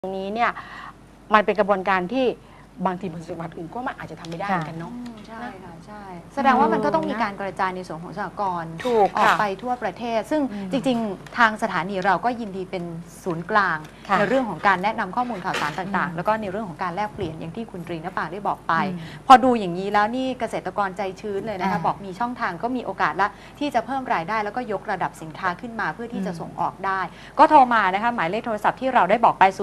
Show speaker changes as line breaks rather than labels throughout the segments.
ตรงนี้เนี่ยมันเป็นกระบวนการที่บางทีบางจังหวัดอื่นก็มันอาจจะทำไม่ได้เหมือนกันเนาะ
ใช่ค่ะใช่แสดงว่ามันก็ต้องมีการกระจายในส่วนของสหกรณ์
ถูก
ออกไปทั่วประเทศซึ่งจริงๆทางสถานีเราก็ยินดีเป็นศูนย์กลางในเรื่องของการแนะนำข้อมูลข่าวสารต่างๆแล้วก็ในเรื่องของการแลกเปลี่ยนอย่างที่คุณตรีณปาได้บอกไปพอดูอย่างนี้แล้วนี่เกษตรกรใจชื้นเลยนะคะบอกมีช่องทางก็มีโอกาสละที่จะเพิ่มรายได้แล้วก็ยกระดับสินค้าขึ้นมาเพื่อที่จะส่งออกได้ก็โทรมานะคะหมายเลขโทรศัพท์ที่เราได้บอกไป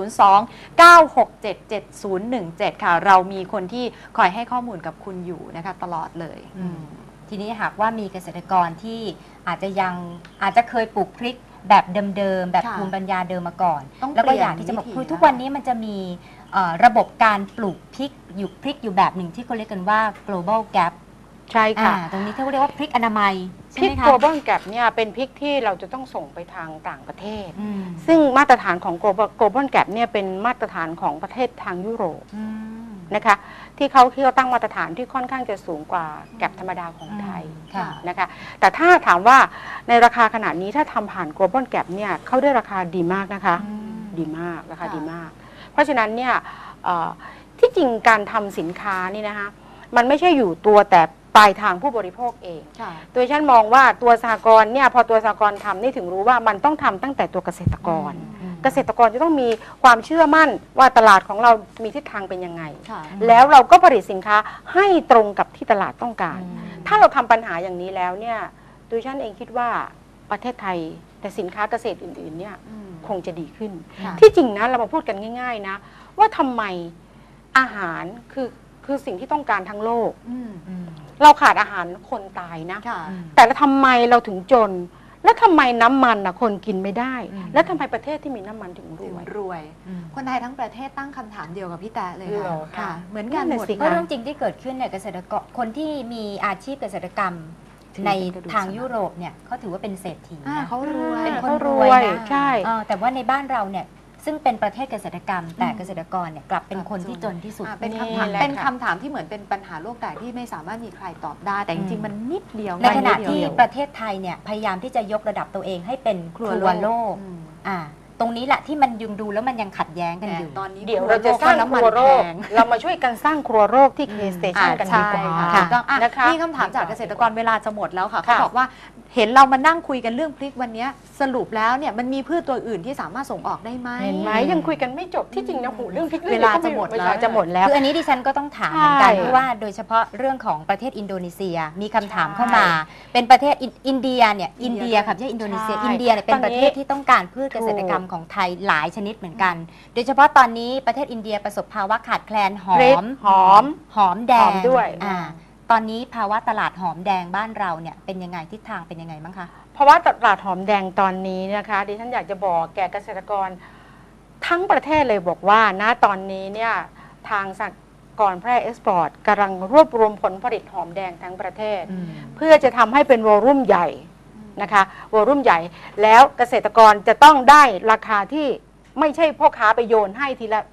02-967-7017 ค่ะเรามีคนที่คอยให้ข้อมูลกับคุณอยู่นะคะตลอดเลย
ทีนี้หากว่ามีเกษตรกรที่อาจจะเคยปลูกพริกแบบเดิมๆแบบภูมิปัญญาเดิมมาก่อนแล้วก็อยากที่จะบอกคือทุกวันนี้มันจะมีระบบการปลูกพริกอยู่แบบหนึ่งที่เขาเรียกกันว่า global gap
ใช่ค่ะ
ตรงนี้เขาเรียกว่าพริกอนามัย
พริก global gap เนี่ยเป็นพริกที่เราจะต้องส่งไปทางต่างประเทศซึ่งมาตรฐานของ global gap เนี่ยเป็นมาตรฐานของประเทศทางยุโรปนะคะที่เขาตั้งมาตรฐานที่ค่อนข้างจะสูงกว่าแกปธรรมดาของไทยนะคะแต่ถ้าถามว่าในราคาขนาดนี้ถ้าทำผ่าน global gap เนี่ยเขาได้ราคาดีมากนะคะดีมากราคาดีมากเพราะฉะนั้นเนี่ยที่จริงการทำสินค้านี่นะคะมันไม่ใช่อยู่ตัวแต่ปลายทางผู้บริโภคเองโดยฉันมองว่าตัวสหกรณ์เนี่ยพอตัวสหกรณ์ทำนี่ถึงรู้ว่ามันต้องทำตั้งแต่ตัวเกษตรกรเกษตรกรจะต้องมีความเชื่อมั่นว่าตลาดของเรามีทิศทางเป็นยังไงแล้วเราก็ผลิตสินค้าให้ตรงกับที่ตลาดต้องการถ้าเราทำปัญหาอย่างนี้แล้วเนี่ยโดยฉันเองคิดว่าประเทศไทยแต่สินค้าเกษตรอื่นๆเนี่ยคงจะดีขึ้นที่จริงนะเรามาพูดกันง่ายๆนะว่าทำไมอาหารคือสิ่งที่ต้องการทั้งโลกเราขาดอาหารคนตายนะแต่ทำไมเราถึงจนแล้วทำไมน้ำมันคนกินไม่ได้แล้วทำไมประเทศที่มีน้ำมันถึงรวย
คนไทยทั้งประเทศตั้งคำถามเดียวกับพี่แตะเลยค่ะเหมือนกันหมด
เพราะเรื่องจริงที่เกิดขึ้นเนี่ยเกษตรกรคนที่มีอาชีพเกษตรกรรมในทางยุโรปเนี่ยเขาถือว่าเป็นเศรษฐีนะ
เขารวย
เป็นคนรวยนะใช่แต่ว่าในบ้านเราเนี่ยซึ่งเป็นประเทศเกษตรกรรมแต่เกษตรกรเนี่ยกลับเป็นคนที่จนที่สุด
เป็นคำถามที่เหมือนเป็นปัญหาโลกแตกที่ไม่สามารถมีใครตอบได้แต่จริงๆมันนิดเดียว
ในขณะที่ประเทศไทยเนี่ยพยายามที่จะยกระดับตัวเองให้เป็นครัวโลกตรงนี้แหละที่มันยังดูแล้วมันยังขัดแย้งกันอยู่
ตอนนี้
เดี๋ยวเราจะสร้างครัวโลกเรามาช่วยกันสร้างครัวโลกที่เคสเตชันกันดีกว่า
นะคะมีคำถามจากเกษตรกรเวลาจะหมดแล้วค่ะเขาบอกว่าเห็นเรามานั่งคุยกันเรื่องพริกวันนี้สรุปแล้วเนี่ยมันมีพืชตัวอื่นที่สามารถส่งออกได้ไหม
เห็นไหมยังคุยกันไม่จบที่จริงนะเรื่องพริก
เวลาจะหมดแล้ว
คืออันนี้ดิฉันก็ต้องถามเหมือนกันเพราะว่าโดยเฉพาะเรื่องของประเทศอินโดนีเซียมีคำถามเข้ามาเป็นประเทศอินเดียเนี่ยอินเดียค่ะไม่ใช่อินโดนีเซียอินเดียเนี่ยเป็นประเทศที่ต้องการพืชเกษตรกรรมของไทยหลายชนิดเหมือนกันโดยเฉพาะตอนนี้ประเทศอินเดียประสบภาวะขาดแคลนหอมแดง
ด้วย
ตอนนี้ภาวะตลาดหอมแดงบ้านเราเนี่ยเป็นยังไงทิศทางเป็นยังไงบ้างคะ
เพราะว่าตลาดหอมแดงตอนนี้นะคะดิฉันอยากจะบอกแก่เกษตรกรทั้งประเทศเลยบอกว่านะตอนนี้เนี่ยทางสหกรณ์แพร่เอ็กซ์พอร์ตกำลังรวบรวมผลผลิตหอมแดงทั้งประเทศเพื่อจะทำให้เป็นวอลลุ่มใหญ่นะคะวอลลุ่มใหญ่แล้วเกษตรกรจะต้องได้ราคาที่ไม่ใช่พ่อค้าไปโยนให้ทีละ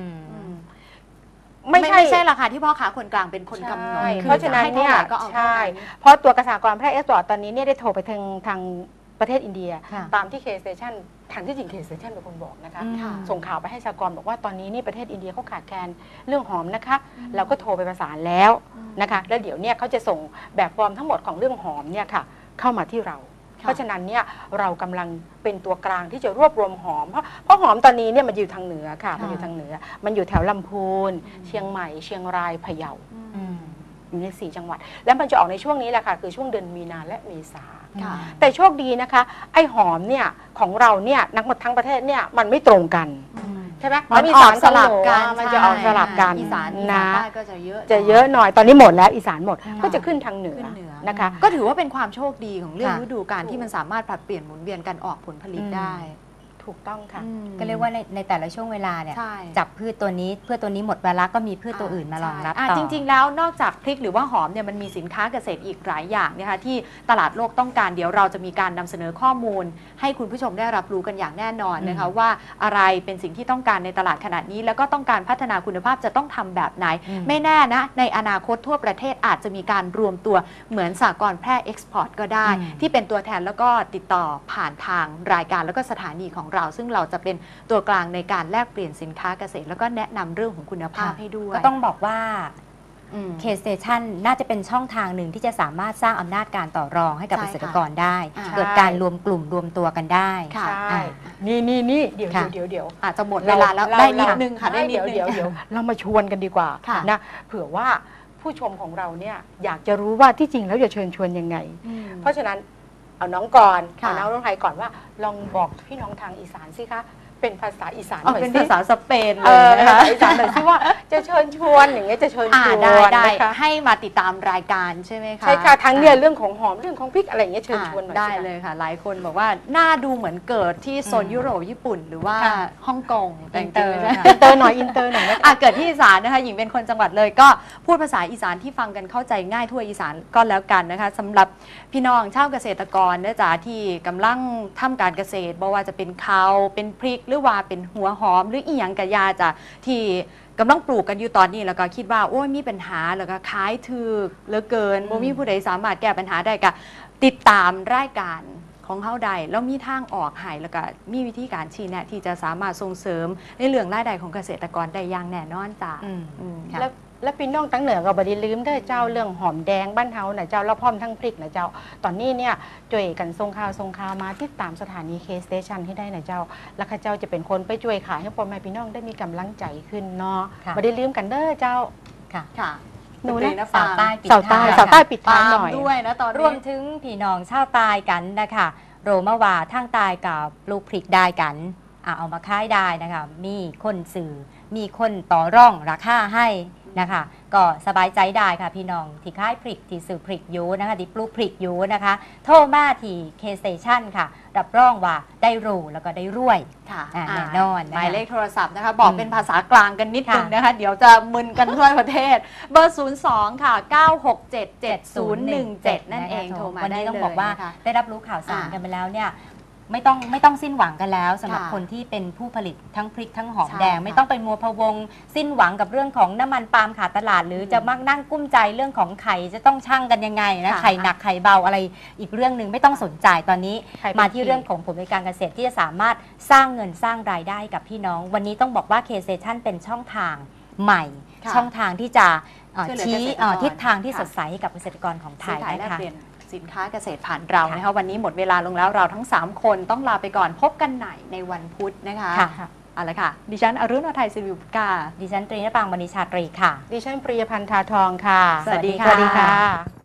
ไม่ใช่ราคาที่พ่อค้าคนกลางเป็นคนกำหนด
เพราะฉะนั้นเนี่ยใช่เพราะตัวเกษตรกรแพร่เอ็กซ์พอร์ตตอนนี้เนี่ยได้โทรไปทางประเทศอินเดียตามที่เคสเตชันทางที่จริงเคสเตชันเป็นคนบอกนะคะส่งข่าวไปให้สหกรณ์บอกว่าตอนนี้นี่ประเทศอินเดียเขาขาดแคลนเรื่องหอมนะคะเราก็โทรไปประสานแล้วนะคะแล้วเดี๋ยวเนี่ยเขาจะส่งแบบฟอร์มทั้งหมดของเรื่องหอมเนี่ยค่ะเข้ามาที่เราเพราะฉะนั้นเนี่ยเรากำลังเป็นตัวกลางที่จะรวบรวมหอมเพราะหอมตอนนี้เนี่ยมันอยู่ทางเหนือค่ะมันอยู่ทางเหนือมันอยู่แถวลำพูนเชียงใหม่เชียงรายพะเยาอยู่ใน4 จังหวัดแล้วมันจะออกในช่วงนี้แหละค่ะคือช่วงเดือนมีนาและเมษาแต่โชคดีนะคะไอ้หอมเนี่ยของเราเนี่ยนักหมดทั้งประเทศเนี่ยมันไม่ตรงกันใช่ไหม
มันมีสลับกัน
มันจะออกสลับกัน
อีสานก็จะเย
อะหน่อยตอนนี้หมดแล้วอีสานหมดก็จะขึ้นทางเหนือนะคะ
ก็ถือว่าเป็นความโชคดีของเรื่องฤดูกาลที่มันสามารถผลัดเปลี่ยนหมุนเวียนกันออกผลผลิตได้
ถูกต้องค่ะ
ก็เรียกว่าในแต่ละช่วงเวลาเนี่ยจับพืชตัวนี้เพื่อตัวนี้หมดเวลาก็มีพืชตัวอื่นมารองรับต่อ
จริงๆแล้วนอกจากพริกหรือว่าหอมเนี่ยมันมีสินค้าเกษตรอีกหลายอย่างนะคะที่ตลาดโลกต้องการเดี๋ยวเราจะมีการนำเสนอข้อมูลให้คุณผู้ชมได้รับรู้กันอย่างแน่นอนนะคะว่าอะไรเป็นสิ่งที่ต้องการในตลาดขนาดนี้แล้วก็ต้องการพัฒนาคุณภาพจะต้องทำแบบไหนไม่แน่นะในอนาคตทั่วประเทศอาจจะมีการรวมตัวเหมือนสหกรณ์แพร่เอ็กซ์พอร์ตก็ได้ที่เป็นตัวแทนแล้วก็ติดต่อผ่านทางรายการแล้วก็สถานีของเราซึ่งเราจะเป็นตัวกลางในการแลกเปลี่ยนสินค้าเกษตรแล้วก็แนะนำเรื่องของคุณภาพให้ด้วย
ก็ต้องบอกว่า K-Station น่าจะเป็นช่องทางหนึ่งที่จะสามารถสร้างอำนาจการต่อรองให้กับ
ใช่
เก
ค่ะ
ษตรกรได้
ใช่
เกิดการรวมกลุ่มรวมตัวกันได้
ค่ะ
ใช่
อ่า
นี่เดี๋ยว
ค่ะ
เดี๋ยว
อาจจะหมดเวลาแล้วได้นิดนึงค่ะได้นิดนึง
เดี๋ยวเรามาชวนกันดีกว่า
ค่ะ
นะเผื่อว่าผู้ชมของเราเนี่ยอยากจะรู้ว่าที่จริงแล้วจะเชิญชวนยังไง เพราะฉะนั้นเอาน้องก่อน
ค่ะ
เอาน้องไทยก่อนว่าลองบอกพี่น้องทางอีสานสิคะเป็นภาษาอีสานห
เอา
น่อย
เป็น
สิ
ภาษาสเปนเล
เอย อ
นะ
ภา
คะ
ษาอีสานหน่อยสิว่าจะเชิญชวนอย่างเงี้ยจะเชิญชวน
ได้
นะคะ
ให้มาติดตามรายการใช่ไหมคะ
ใช่ค่ะทั้งเนี่ยเรื่องของหอมเรื่องของพริกอะไรอย่างเงี้ยเชิญชวนหน่อย
ได้
สิคะ
เลยค่ะ หลายคนบอกว่าน่าดูเหมือนเกิดที่โซนยุโรปญี่ปุ่น หรือว่า
ค่ะ
ฮ่องกงแต่จ
อินเต
ริ
อง ร์
ๆไม่ใช่
ค่ะ
อินเตอร์หน่อยอินเตอร์หน่อยนะคะ
เกิดที่อีสานนะคะหญิงเป็นคนจังหวัดเลยก็พูดภาษาอีสานที่ฟังกันเข้าใจง่ายทั่วอีสานก็แล้วกันนะคะสำหรับพี่น้องชาวเกษตรกรนะจ๊ะที่กำลังทำการเกษตรบ่ว่าจะเป็นข้าวเป็นพริกหรือว่าเป็นหัวหอมหรืออีหยังกะยาจ้ะที่กำลังปลูกกันอยู่ตอนนี้แล้วก็คิดว่าโอ้ยมีปัญหาแล้วก็ขายถูกเหลือเกินบ่มีผู้ใดสามารถแก้ปัญหาได้ก็ติดตามรายการของเฮาใดแล้วมีทางออกให้แล้วก็มีวิธีการชี้แนะที่จะสามารถส่งเสริมในเรื่องรายได้ของเกษตรกรได้อย่างแน่นอนจ้ะ ค่ะ
แล้วพี่น้องตั้งเหนือก็บไดีลืมเด้อเจ้าเรื่องหอมแดงบ้านเฮานะเจ้าแล้วพร้อมทั้งพริกนะเจ้าตอนนี้เนี่ยช่วยกันส่งข่าวมาติดตามสถานี K-Station ให้ได้นะเจ้าแล้วข้าเจ้าจะเป็นคนไปช่วยขายให้พ่อแม่พี่น้องได้มีกำลังใจขึ้นเนาะ
ค่ะ
บไดีลืมกันเด้อเจ้า
ค่ะ
ค่ะ
หนู
ด
นะ
นะ
สาวใต้ปิด
สาวใต้
ท้ย
สาวใต้ปิด
ปา
ท้ายห
ล์ม
น่อย
ด้วยนะตอน
รวม
นี้
ถึงพี่น้องชาวใตายกันนะคะโรมาว่าทางใตายกับปลูกพริกได้กันเอามาขายได้นะคะมีคนสื่อมีคนต่อร่องราคาให้นะคะก็สบายใจได้ค่ะพี่น้องที่ขายพริกที่สื่อพริกอยู่นะคะที่ปลูกพริกอยู่นะคะโทรมาที่ K-Station ค่ะรับรองว่าได้รู้แล้วก็ได้รวย
ค่ะ
แน่นอนนะคะ
หมายเลขโทรศัพท์นะคะ บอก
อืม
เป็นภาษากลางกันนิดนึง
ค่ะ
นะคะ เดี๋ยวจะมึนกันทั่วประเทศ เบอร์ 02 ค่ะ 9677017 นั่นเองโทรมา
วัน
ได้
นี้
เลย
ต้องบอกว่า
นะคะ
ได้รับรู้ข่าวสาร
อ่า
กันไปแล้วเนี่ยไม่ต้องสิ้นหวังกันแล้วสำหรับ
ค่ะ
คนที่เป็นผู้ผลิตทั้งพริกทั้งหอม
ใช่
แดง
ค่ะ
ไม่ต้องไปมัวพะวง สิ้นหวังกับเรื่องของน้ำมันปาล์มขาดตลาด หรือจะมานั่งกุ้มใจเรื่องของไข่จะต้องชั่งกันยังไงนะ
ค่ะ
ไข่หนักไข่เบาอะไรอีกเรื่องหนึ่งไม่ต้องสนใจตอนนี้
ไข่เป็น
มาที่
ขีด
เรื่องของผลประกอบการเกษตรที่จะสามารถสร้างเงินสร้างรายได้กับพี่น้อง วันนี้ต้องบอกว่า K-Station เป็นช่องทางใหม่
ค่ะ
ช่องทางที่จะ
ช่วยเหลือ
ชี้
เกษตรกร
ทิศทางที่
ค่ะ
สดใสให้กับเกษตรกรของไท
ซื้อย ขายแล
นะ
ก
คะ
เปลี่ยนสินค้าเกษตรผ่านเรา
ค่ะ
นะคะวันนี้หมดเวลาลงแล้วเราทั้ง 3 คนต้องลาไปก่อนพบกันใหม่ในวันพุธนะคะ
ค่ะ
เอาละค่ะ ดิฉันอรุณอทัยศิริบุตรกา
ดิฉันตรีนปางมณีชาตรีค่ะ
ดิฉันปริยพันธ์ทาทองค่ะ
สวัสดีค่ะ
สวัสดีค่ะ